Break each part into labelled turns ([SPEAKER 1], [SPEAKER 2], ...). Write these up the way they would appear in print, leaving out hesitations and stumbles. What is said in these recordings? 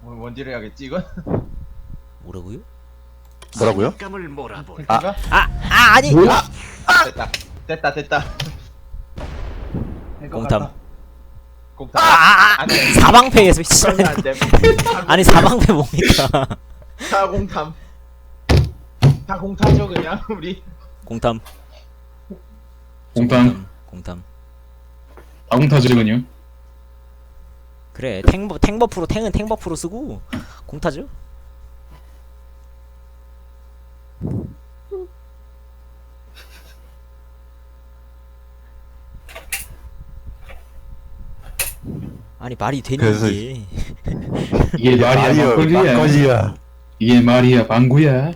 [SPEAKER 1] 원딜을 해야겠지 이건?
[SPEAKER 2] 뭐라고요?
[SPEAKER 3] 뭐라고요?
[SPEAKER 1] 탱크가?
[SPEAKER 2] 아니!
[SPEAKER 3] 뭐야?
[SPEAKER 1] 됐다
[SPEAKER 2] 공탐.
[SPEAKER 1] 공탐 안돼
[SPEAKER 2] 사방패에서
[SPEAKER 1] 그러면 안돼
[SPEAKER 2] 아니 사방패 뭡니까?
[SPEAKER 1] 다 공탐 다 공탐이죠 그냥 우리
[SPEAKER 2] 공탐.
[SPEAKER 4] 공탐
[SPEAKER 2] 공탐.
[SPEAKER 4] 아공타즈군요.
[SPEAKER 2] 그래 탱버프로 탱은 탱버프로 쓰고 공타죠? 아니 말이 되니
[SPEAKER 3] 그래서
[SPEAKER 2] 이게.
[SPEAKER 4] 이게 말이야 막걸리야.
[SPEAKER 3] 막걸리야.
[SPEAKER 4] 이게 말이야 방구야.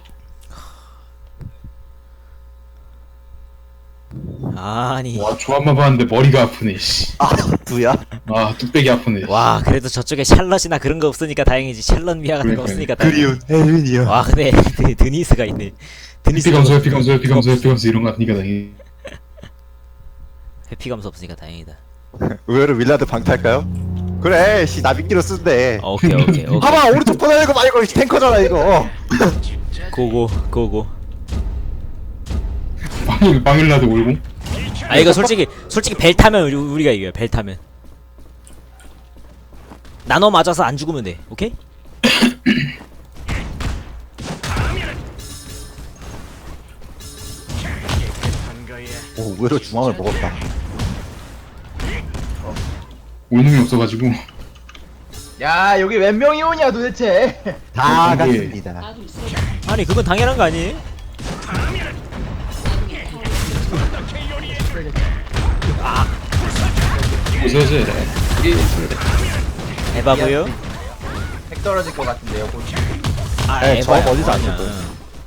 [SPEAKER 2] 아니
[SPEAKER 4] 와 조합만 봤는데 머리가 아프네. 씨.
[SPEAKER 3] 아, 누야?
[SPEAKER 4] 아 뚝배기 아프네.
[SPEAKER 2] 와 그래도 저쪽에 샬럿이나 그런 거 없으니까 다행이지. 샬럿 미아 같은 거 없으니까 다행이지.
[SPEAKER 3] 그리운 혜윤이요.
[SPEAKER 2] 와 근데 드니스가 있네.
[SPEAKER 4] 피 감소 피 감소 피 감소 피 감소 이런 거 같으니까 다행히.
[SPEAKER 2] 회피 감소 없으니까 다행이다.
[SPEAKER 3] 의외로 윌라드 방탈까요? 그래, 씨, 나비끼로 쓴대.
[SPEAKER 2] 오케이.
[SPEAKER 3] 봐봐, 오른쪽 보내는 거 말고 탱커잖아, 이거.
[SPEAKER 2] 고고.
[SPEAKER 4] 방일라도 올고.
[SPEAKER 2] 아 이거 솔직히 벨 타면 우리가 이겨요. 벨 타면 나눠 맞아서 안 죽으면 돼. 오케이?
[SPEAKER 3] 오, 의외로 중앙을 먹었다.
[SPEAKER 4] 올 놈이 없어가지고.
[SPEAKER 1] 야 여기 몇 명이 오냐 도대체
[SPEAKER 3] 다
[SPEAKER 4] 이게-
[SPEAKER 3] 갔습니다.
[SPEAKER 2] 아니 그건 당연한 거 아니에요?
[SPEAKER 4] 보세요.
[SPEAKER 2] 에바고요?
[SPEAKER 1] 핵 떨어질 것 같은데요 곧.
[SPEAKER 2] 아
[SPEAKER 3] 네, 저
[SPEAKER 2] 에바야.
[SPEAKER 3] 어디서 안
[SPEAKER 2] 아니야.
[SPEAKER 3] 죽어요.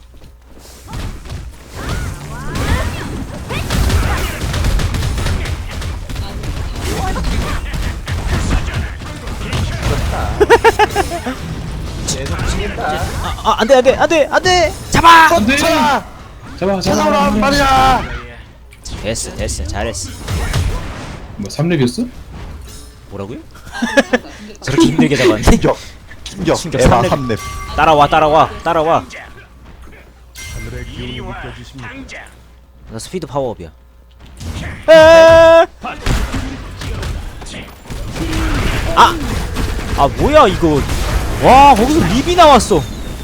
[SPEAKER 1] 계속 치겠다
[SPEAKER 2] 안돼 잡아!
[SPEAKER 4] 안돼.
[SPEAKER 3] 차!
[SPEAKER 4] 잡아
[SPEAKER 3] 찾아오란 말이야!
[SPEAKER 2] 됐어 잘했어.
[SPEAKER 4] 뭐 3렙이었어?
[SPEAKER 2] 뭐라고요? 저렇게 힘들게 잡았네.
[SPEAKER 3] 충격!
[SPEAKER 2] 충격
[SPEAKER 3] 에바
[SPEAKER 2] 삼렙.
[SPEAKER 3] 3렙.
[SPEAKER 2] 따라와 나 스피드 파워업이야. 아 뭐야 이거. 와 거기서 립이 나왔어.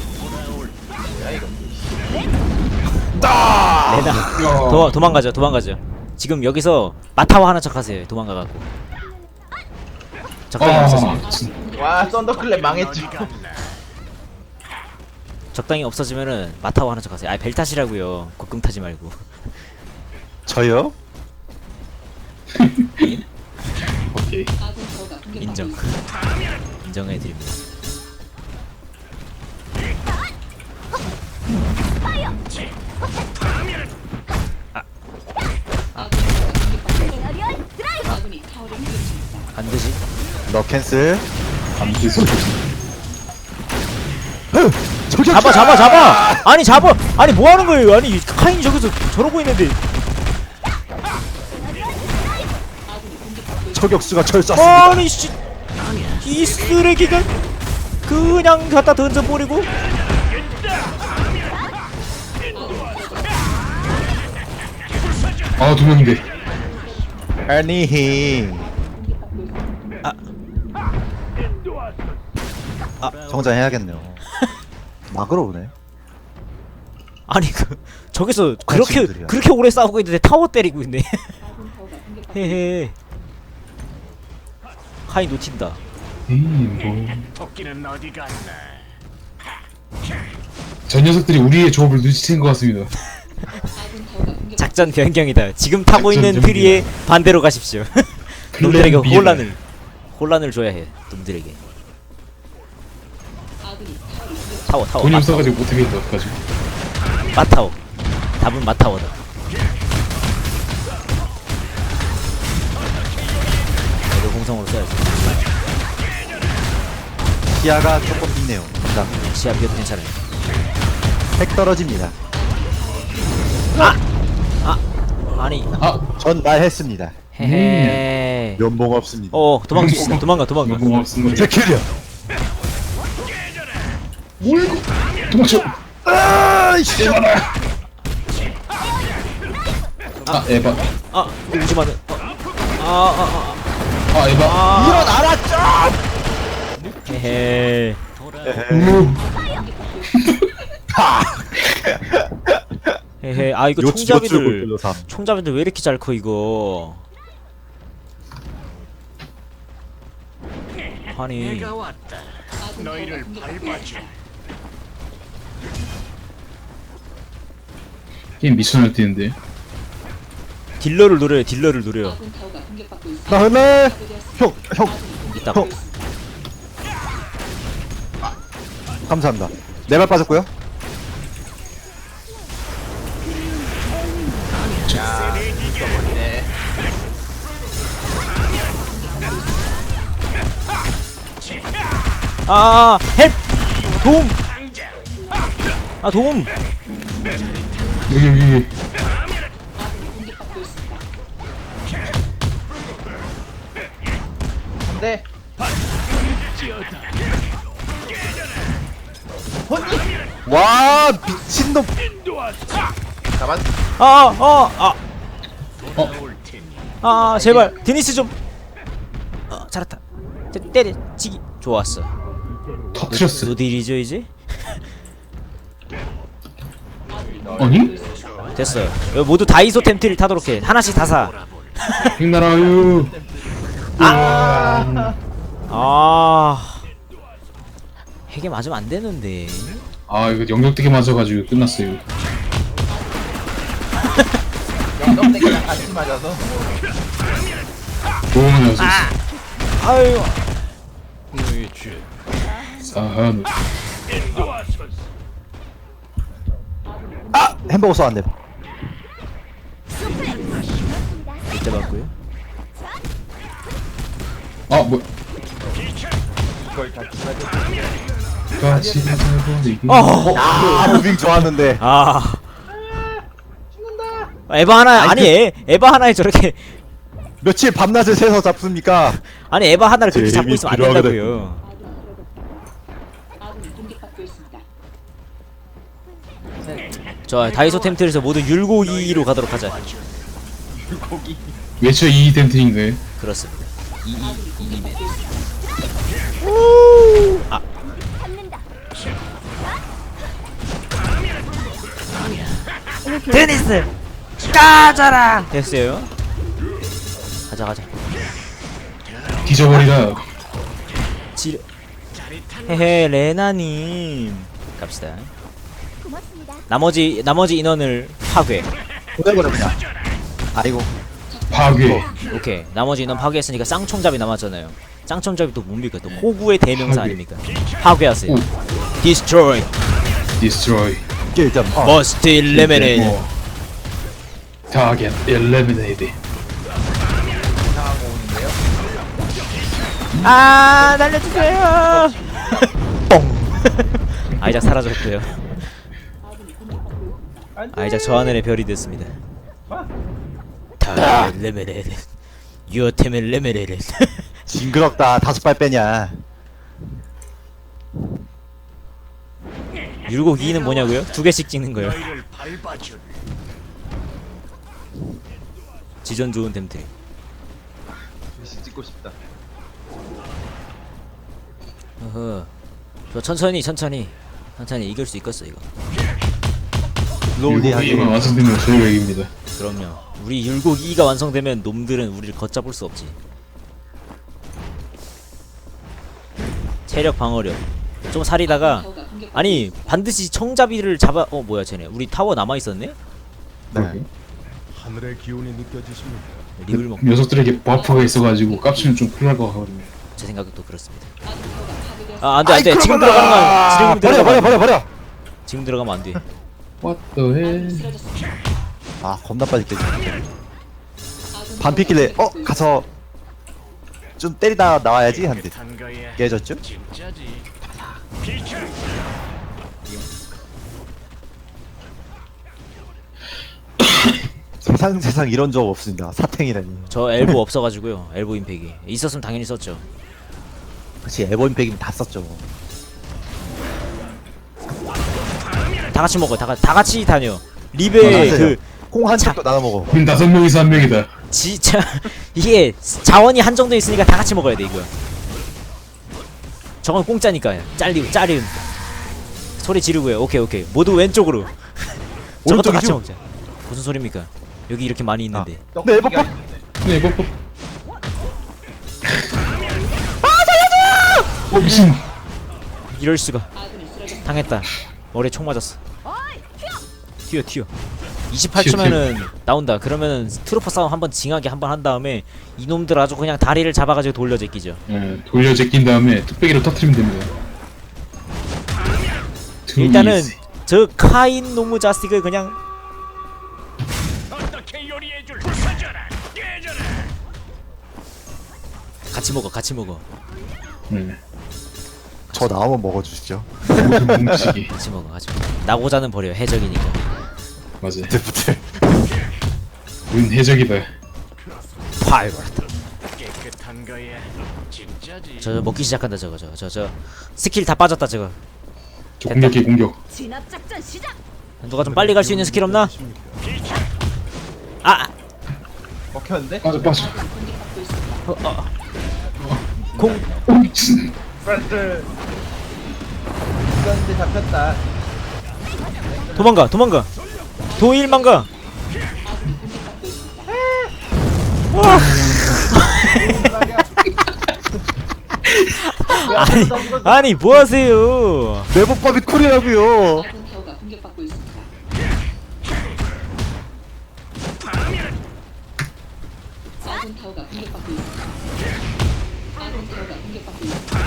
[SPEAKER 2] 레나 도망가죠. 지금 여기서 마타와 하는 척하세요. 도망가갖고 적당히 없어지면
[SPEAKER 1] 와 썬더클랩 망했죠
[SPEAKER 2] 적당히 없어지면은 마타와 하는 척하세요. 벨 타시라고요. 곡금 타지 말고.
[SPEAKER 3] 저요?
[SPEAKER 4] 오케이.
[SPEAKER 2] 인정해드립니다. 안되지?
[SPEAKER 3] 너 캔슬.
[SPEAKER 4] 암기소.
[SPEAKER 3] 저격!
[SPEAKER 2] 잡아! 아니 뭐하는 거예요? 아니 카인이 저기서 저러고 있는데.
[SPEAKER 3] 저격수가 절 쐈습니다.
[SPEAKER 2] 아니 씨, 이 쓰레기가 그냥 갖다 던져버리고.
[SPEAKER 4] 아 2명인데.
[SPEAKER 3] 아니. 정장해야겠네요. 막으러 오네.
[SPEAKER 2] 아니 저기서
[SPEAKER 3] 친구들이야.
[SPEAKER 2] 그렇게 오래 싸우고 있는데 타워 때리고 있네. 헤헤. 카인 놓친다.
[SPEAKER 4] 뭐. 저 녀석들이 우리의 조합을 눈치챈 것 같습니다.
[SPEAKER 2] 작전 변경이다. 지금 타고
[SPEAKER 4] 작전
[SPEAKER 2] 있는
[SPEAKER 4] 변경.
[SPEAKER 2] 트리에 반대로 가십시오. 놈들에게
[SPEAKER 4] 클랜 비엘.
[SPEAKER 2] 혼란을 줘야 해. 놈들에게. 타워.
[SPEAKER 4] 돈이 없어가지고 못하겠는데 어떡하지?
[SPEAKER 2] 마타워. 답은 마타워다. 얘도 공성으로 써야지.
[SPEAKER 3] 시야가 조금 있네요. 자,
[SPEAKER 2] 시야 비어도 괜찮아요.
[SPEAKER 3] 핵 떨어집니다.
[SPEAKER 2] 아니.
[SPEAKER 3] 전 말했습니다.
[SPEAKER 2] 헤헤.
[SPEAKER 3] 면봉 없습니다.
[SPEAKER 2] 도망가.
[SPEAKER 4] 너무 없은 거죠.
[SPEAKER 3] 제킬이야.
[SPEAKER 4] 뭐야 이거? 도망쳐.
[SPEAKER 3] 아이씨.
[SPEAKER 4] 아 에바.
[SPEAKER 2] 아 오지 마는.
[SPEAKER 4] 아 에바.
[SPEAKER 3] 일어나라 좀.
[SPEAKER 2] 헤헤. 헤헤. 아 이거 총잡이들 총잡이들 왜 이렇게 잘 커 이거. 아니
[SPEAKER 4] 게임 미쳐날 뛰는데.
[SPEAKER 2] 딜러를 노려요. 딜러를 노려요.
[SPEAKER 3] 나 하나. 형.
[SPEAKER 2] 이따
[SPEAKER 3] 형. 감사합니다. 네 발 빠졌고요.
[SPEAKER 2] 헬 도움. 아 도움.
[SPEAKER 4] 여기.
[SPEAKER 1] 네.
[SPEAKER 3] 와 미친놈.
[SPEAKER 1] 가만.
[SPEAKER 2] 제발 데니스 좀. 잘했다. 때려치기 좋았어.
[SPEAKER 4] 터트렸어.
[SPEAKER 2] 노딜이죠 이제?
[SPEAKER 4] 아니?
[SPEAKER 2] 됐어. 여기 모두 다이소 템트를 타도록 해. 하나씩 다 사.
[SPEAKER 4] 백나라유.
[SPEAKER 2] 핵에 맞으면 안 되는데.
[SPEAKER 4] 아 이거 영역되게 맞아가지고 끝났어요.
[SPEAKER 1] 영덕대기랑 같이 맞아서.
[SPEAKER 4] 도움을 넣어서
[SPEAKER 2] 아유.
[SPEAKER 4] 사한.
[SPEAKER 3] 햄버거 쏘았네.
[SPEAKER 2] 이때 맞고요.
[SPEAKER 4] 아 뭐?
[SPEAKER 1] 그걸 다 기사죠.
[SPEAKER 4] 같이 가자버리기.
[SPEAKER 3] 무빙 좋았는데.
[SPEAKER 2] 에바 하나 아니 에바 하나에 저렇게
[SPEAKER 3] 며칠 밤낮을 새서 잡습니까?
[SPEAKER 2] 아니 에바 하나를 그렇게 잡고
[SPEAKER 3] 재미
[SPEAKER 2] 있으면 안
[SPEAKER 3] 들어가거든.
[SPEAKER 2] 된다고요. 자 다이소 템트에서 모두 율곡이로 가도록 하자.
[SPEAKER 4] 외쳐 이 덴트인가요?
[SPEAKER 2] 그렇습니다. 이맨. 데니스 까자라. 됐어요. 가자.
[SPEAKER 4] 뒤져버리라.
[SPEAKER 2] 지르. 헤헤 레나님 갑시다. 나머지 인원을 파괴.
[SPEAKER 3] 보내버려 그냥. 아이고.
[SPEAKER 4] 파괴.
[SPEAKER 2] 오케이 나머지 인원 파괴했으니까 쌍총잡이 남았잖아요. 쌍총잡이 또 뭡니까? 또 호구의 대명사
[SPEAKER 4] 파괴.
[SPEAKER 2] 아닙니까? 파괴하세요.
[SPEAKER 4] 오.
[SPEAKER 2] Destroy.
[SPEAKER 4] Destroy.
[SPEAKER 3] 이게 일단
[SPEAKER 2] Must eliminate.
[SPEAKER 4] Target eliminated.
[SPEAKER 2] 아 날려주세요. 뽕. 아이작 사라졌고요. 아이작 저 하늘의 별이 됐습니다. 다 eliminated. Your team eliminated.
[SPEAKER 3] 징그럽다. 5발 빼냐.
[SPEAKER 2] 율곡 2는 뭐냐고요? 2개씩 찍는 거요. 지전 좋은 템트.
[SPEAKER 1] 글씨 찍고 싶다.
[SPEAKER 2] 어허. 저 천천히 이길 수 있겠어 이거.
[SPEAKER 3] 롤리 하게.
[SPEAKER 4] 이만 완성되면 저희가 이깁니다.
[SPEAKER 2] 그럼요. 우리 율곡 2가 완성되면 놈들은 우리를 걷잡을 수 없지. 체력 방어력 좀 살이다가 아니 반드시 청잡이를 잡아. 뭐야 쟤네 우리 타워 남아있었네?
[SPEAKER 3] 네.
[SPEAKER 5] 하늘의 기운이 느껴지십니까?
[SPEAKER 2] 립을 먹고
[SPEAKER 4] 녀석들에게 버프가 있어가지고 깝치면 좀 큰일 날것 같거든요.
[SPEAKER 2] 제 생각도 그렇습니다. 안돼 지금 들어가면
[SPEAKER 3] 버려.
[SPEAKER 2] 지금 들어가면 안돼.
[SPEAKER 4] What the hell?
[SPEAKER 3] 아 겁나 빨리 깨지. 반피길래 가서 좀 때리다 나와야지 한데 깨졌죠? 세상 이런 적 없습니다. 사탱이라니.
[SPEAKER 2] 저 엘보 없어가지고요. 엘보 임팩이 있었으면 당연히 썼죠.
[SPEAKER 3] 그치 에버 임팩이면 다 썼죠.
[SPEAKER 2] 다 같이 먹어요. 다 같이 다녀. 리베
[SPEAKER 3] 맞아요.
[SPEAKER 2] 그
[SPEAKER 3] 콩 한 짝도 나눠 먹어.
[SPEAKER 4] 우린 5명이서 1명이다.
[SPEAKER 2] 진짜 이게 자원이 한정돼 있으니까 다 같이 먹어야 돼 이거. 저건 공짜니까 짜리움. 소리 지르고요. 오케이 모두 왼쪽으로. 저것도 같이 먹자. 무슨 소리입니까? 여기 이렇게 많이 있는데.
[SPEAKER 3] 네, 에버팝.
[SPEAKER 4] 네, 뽀뽀. 미친.
[SPEAKER 2] 이럴 수가. 당했다. 머리에 총 맞았어. 튀어. 28초면은 나온다. 그러면은 트루퍼 싸움 한번 징하게 한번 한 다음에 이놈들 아주 그냥 다리를 잡아가지고 돌려 제끼죠.
[SPEAKER 4] 예, 돌려 제낀 다음에 뚝배기로 터트리면 됩니다.
[SPEAKER 2] 일단은
[SPEAKER 4] easy.
[SPEAKER 2] 저 카인 노무 자스틱을 그냥 같이 먹어.
[SPEAKER 4] 네.
[SPEAKER 3] 저 나오면 먹어주시죠.
[SPEAKER 4] 모든 뭉치기.
[SPEAKER 2] 같이 먹어. 나고자는 버려. 해적이니까.
[SPEAKER 4] 맞아요.
[SPEAKER 3] 부들.
[SPEAKER 4] 우린 해적이다.
[SPEAKER 2] 파이어. 저 먹기 시작한다 저거. 저 스킬 다 빠졌다 저거.
[SPEAKER 4] 저 공격해 공격.
[SPEAKER 6] 진압작전 시작.
[SPEAKER 2] 누가 좀 빨리 갈 수 있는 스킬 없나? 아!
[SPEAKER 1] 먹혔는데?
[SPEAKER 4] 빠져.
[SPEAKER 2] 공!
[SPEAKER 4] 오 미친.
[SPEAKER 1] 프라스 있었는데 잡혔다.
[SPEAKER 2] 도망가! 도일망가! 아니 뭐하세요?
[SPEAKER 3] 네버팝이 쿨이라고요.
[SPEAKER 6] 아군 타워가 공격받고 있습니다. 아군 타워가 공격받고 있습니다. 아군 타워가 공격받고 있습니다.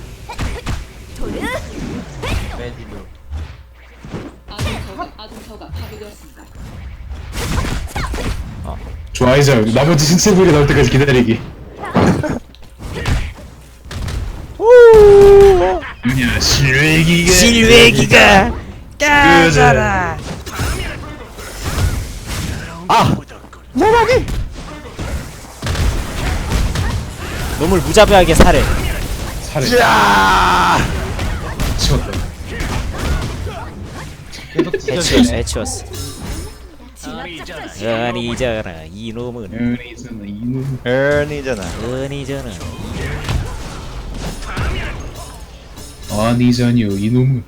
[SPEAKER 1] 매디로.
[SPEAKER 6] 아군 타워가 파괴되었습니다.
[SPEAKER 4] 좋아이자 나머지 신체 부위가 나올 때까지 기다리기. 그냥
[SPEAKER 2] 실외기가 까자라. 놈을 무자비하게 살해.
[SPEAKER 4] 살해.
[SPEAKER 3] 야!
[SPEAKER 4] 치웠다.
[SPEAKER 1] 계속 지켜주네.
[SPEAKER 2] 해치웠어.
[SPEAKER 6] 진압작전 시작.
[SPEAKER 2] 은이잖아 이놈은.
[SPEAKER 4] 에이잖아 이놈.
[SPEAKER 3] 에니잖아.
[SPEAKER 2] 은이잖아.
[SPEAKER 4] 아니잖요 이놈은.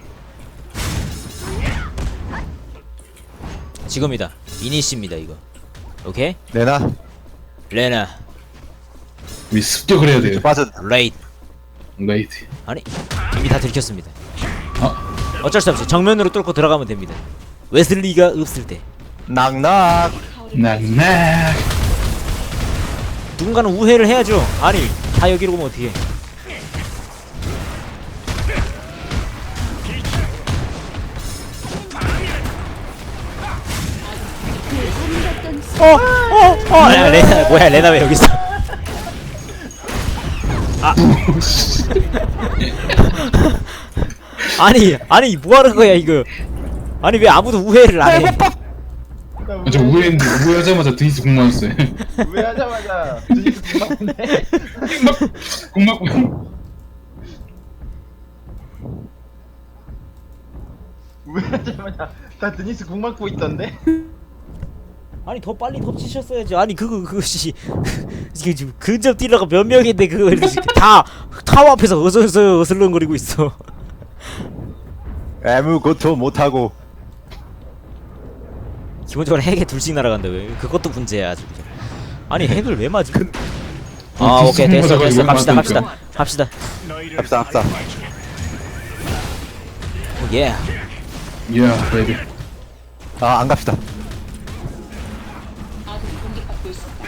[SPEAKER 2] 지금이다. 이니시입니다 이거. 오케이?
[SPEAKER 3] 내나
[SPEAKER 2] 레나
[SPEAKER 4] 우리 습격을 해야 돼요.
[SPEAKER 3] 빠져.
[SPEAKER 2] 레이드.
[SPEAKER 4] 라이트.
[SPEAKER 2] 아니 이미 다 들켰습니다.
[SPEAKER 4] 아
[SPEAKER 2] 어쩔 수 없이 정면으로 뚫고 들어가면 됩니다. 웨슬리가 없을 때
[SPEAKER 3] 낙낙.
[SPEAKER 4] 낙낙.
[SPEAKER 2] 누군가는 우회를 해야죠. 아니 다 여기로 오면 어떻게? 야, 레나 뭐야? 레나 왜 여기 있어? 아니 뭐 하는 거야 이거? 아니 왜 아무도 우회를 안 해?
[SPEAKER 4] 저 우회했는데 우회하자마자 드니스 공 맞았어요.
[SPEAKER 1] 우회하자마자 드니스 궁맞네.
[SPEAKER 4] 공 맞고.
[SPEAKER 1] 우회하자마자 다 드니스 궁 맞고 있던데?
[SPEAKER 2] 아니 더 빨리 덮치셨어야지. 아니 그것이 이게 지금 근접 딜러가 몇 명인데 그거 다 타워 앞에서 어슬렁거리고 있어.
[SPEAKER 3] 아무것도 못하고.
[SPEAKER 2] 기본적으로 핵에 둘씩 날아간다 왜? 그것도 문제야 아주. 아니 핵을 왜 맞지? 아 오케이 됐어 갑시다.
[SPEAKER 3] 합시다.
[SPEAKER 2] 예.
[SPEAKER 4] 야 베이비.
[SPEAKER 3] 안 갑시다.
[SPEAKER 6] 아군이 공격받고 있습니다.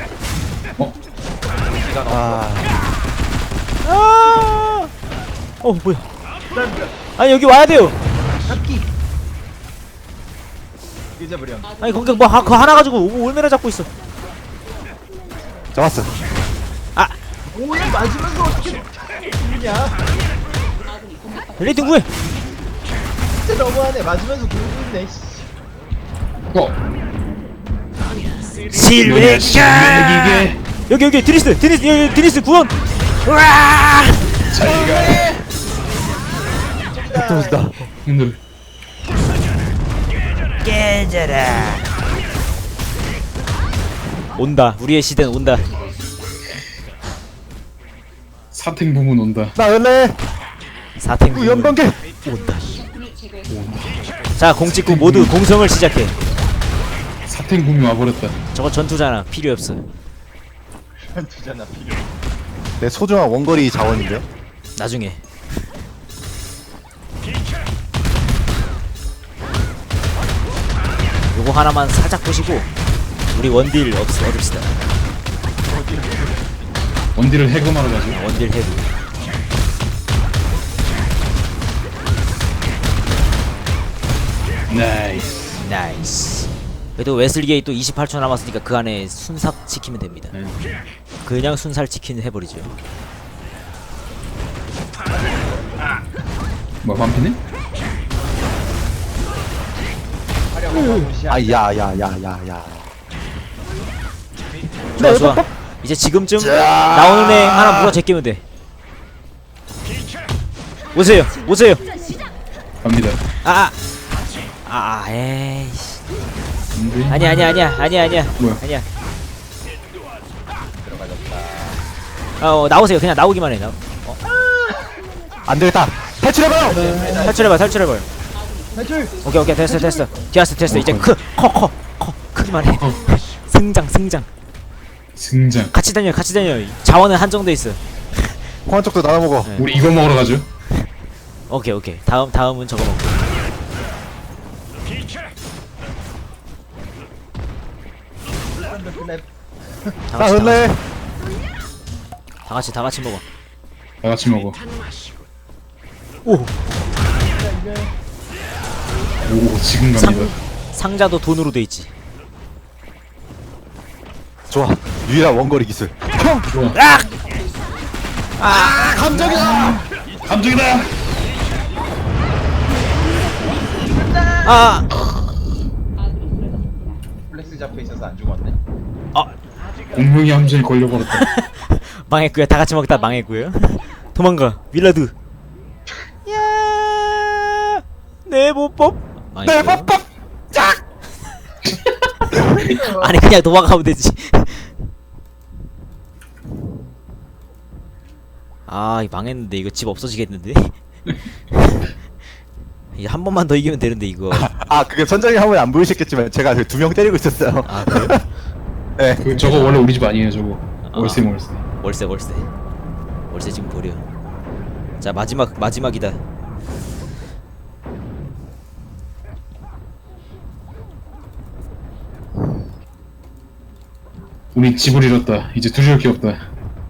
[SPEAKER 2] 뭐야? 아니 여기 와야 돼요.
[SPEAKER 1] 잡기. 잊어버려.
[SPEAKER 2] 아니 거기 뭐 그거 하나 가지고 얼마나 잡고 있어?
[SPEAKER 3] 잡았어.
[SPEAKER 1] 오야 맞으면서 어떻게 죽냐?
[SPEAKER 6] 아군이 공격받고
[SPEAKER 2] 레이팅 구해.
[SPEAKER 1] 진짜 너무하네. 맞으면서 죽는데.
[SPEAKER 2] 실외기가 여기 드니스 구원. 우와!
[SPEAKER 3] 떨어진다.
[SPEAKER 4] 힘들.
[SPEAKER 2] 깨져라. 온다. 우리의 시대는 온다.
[SPEAKER 4] 사탱 부문 온다.
[SPEAKER 3] 나 은래
[SPEAKER 2] 사탱
[SPEAKER 3] 연방계.
[SPEAKER 2] 온다.
[SPEAKER 6] 적군을 제거했습니다.
[SPEAKER 2] 자, 공 찍고 모두 공성을 시작해.
[SPEAKER 4] 사탱 부문 와버렸다.
[SPEAKER 2] 저거 전투잖아. 필요 없어.
[SPEAKER 1] 두잖아 필요.
[SPEAKER 3] 내 소중한 원거리 자원인데요.
[SPEAKER 2] 나중에. 요거 하나만 살짝 보시고 우리 원딜 얻읍시다.
[SPEAKER 4] 원딜을 해금하러 가죠.
[SPEAKER 2] 원딜 헤드.
[SPEAKER 4] 나이스.
[SPEAKER 2] 나이스. 그래도 웨슬리게이 또 28초 남았으니까 그 안에 순삭 지키면 됩니다.
[SPEAKER 4] 네.
[SPEAKER 2] 그냥 순살 치킨 해버리죠.
[SPEAKER 4] 뭐 반피네?
[SPEAKER 3] 아, 야야야야야.
[SPEAKER 2] 좋아 좋아. 이제 지금쯤 나오는 애 하나 물어 제끼면 돼. 오세요 오세요.
[SPEAKER 4] 갑니다.
[SPEAKER 2] 에이씨.
[SPEAKER 4] 근데
[SPEAKER 2] 아니야
[SPEAKER 4] 뭐야?
[SPEAKER 2] 아니야. 나오세요. 그냥 나오기만 해.
[SPEAKER 3] 안 되겠다. 탈출해봐요.
[SPEAKER 2] 탈출해봐.
[SPEAKER 1] 탈출.
[SPEAKER 2] 오케이 됐어. 됐어. 이제 크기만 해.
[SPEAKER 4] 어.
[SPEAKER 2] 승장.
[SPEAKER 4] 승장.
[SPEAKER 2] 같이 다녀. 자원은 한정돼 있어.
[SPEAKER 3] 공한 쪽도 나눠 먹어.
[SPEAKER 2] 네.
[SPEAKER 4] 우리 이거 먹으러 가죠.
[SPEAKER 2] 오케이. 다음은 저거 먹고.
[SPEAKER 3] 나 은래.
[SPEAKER 2] 다 같이 먹어.
[SPEAKER 4] 다 같이 먹어.
[SPEAKER 2] 오.
[SPEAKER 4] 오 지금 갑니다.
[SPEAKER 2] 상자도 돈으로 돼 있지.
[SPEAKER 3] 좋아. 유일한 원거리 기술. 형.
[SPEAKER 4] 좋아.
[SPEAKER 3] 감정이다.
[SPEAKER 4] 감정이다.
[SPEAKER 6] 아군이 쓰러졌습니다.
[SPEAKER 1] 플렉스 잡혀 있어서 안 죽었네.
[SPEAKER 4] 공명의 함정에 걸려버렸다.
[SPEAKER 2] 망했고요. 다 같이 먹다 망했고요. 도망가. 윌라드. 야! 내 보법.
[SPEAKER 3] 내 법법. 짝.
[SPEAKER 2] 아니 그냥 도망가면 되지. 이 망했는데 이거 집 없어지겠는데? 이제 한 번만 더 이기면 되는데 이거.
[SPEAKER 3] 아, 그게 선장님 화면에 안 보이셨겠지만 제가 그 2명 때리고 있었어요.
[SPEAKER 2] 아 그래요?
[SPEAKER 3] 네.
[SPEAKER 4] 저거 원래 우리 집 아니에요 저거. 월세.
[SPEAKER 2] 월세 지금 버려. 자 마지막이다.
[SPEAKER 4] 우리 집을 잃었다. 이제 두려울 게 없다.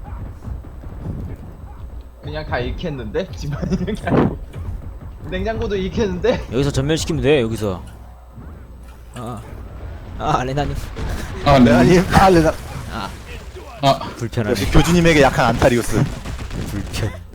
[SPEAKER 1] 그냥 다 잃겠는데? 집안 이런 게 아니고. 냉장고도 잃겠는데?
[SPEAKER 2] 여기서 전멸시키면 돼. 여기서. 레나님.
[SPEAKER 4] 아 네.
[SPEAKER 3] 레나님. 아, 레나.
[SPEAKER 4] 아
[SPEAKER 2] 불편하네.
[SPEAKER 3] 역시 교주님에게 약한 안타리우스.
[SPEAKER 2] 불편.